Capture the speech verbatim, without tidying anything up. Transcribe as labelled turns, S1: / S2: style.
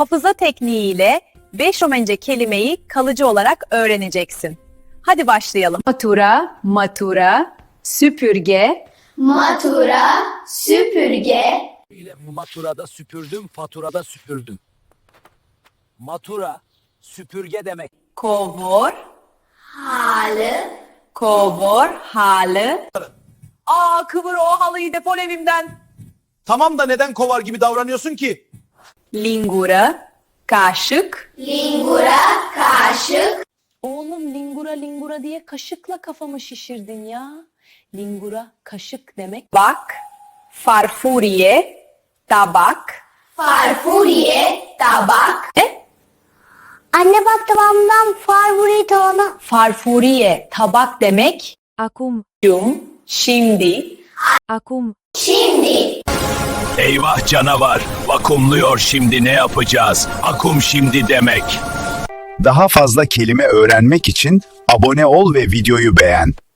S1: Hafıza tekniğiyle beş Romence kelimeyi kalıcı olarak öğreneceksin. Hadi başlayalım.
S2: Matura, matura, süpürge,
S3: Matura, süpürge,
S4: ile maturada süpürdüm, faturada süpürdüm. Matura, süpürge demek.
S1: Kovor,
S3: halı,
S1: kovor, halı. Aa, kıvır o halıyı, defol evimden.
S5: Tamam da neden kovar gibi davranıyorsun ki?
S1: Lingura, kaşık.
S3: lingura, kaşık,
S1: Oğlum lingura lingura diye kaşıkla kafamı şişirdin ya. Lingura kaşık demek. Bak, farfuriye, tabak.
S3: farfuriye, tabak,
S1: Ne?
S3: Anne bak tabağımdan farfuriye tabağına.
S1: Farfuriye, tabak demek.
S2: akum,
S1: Cum, şimdi.
S2: akum,
S3: Şimdi,
S4: Eyvah canavar, vakumluyor şimdi ne yapacağız? Akum şimdi demek.
S6: Daha fazla kelime öğrenmek için abone ol ve videoyu beğen.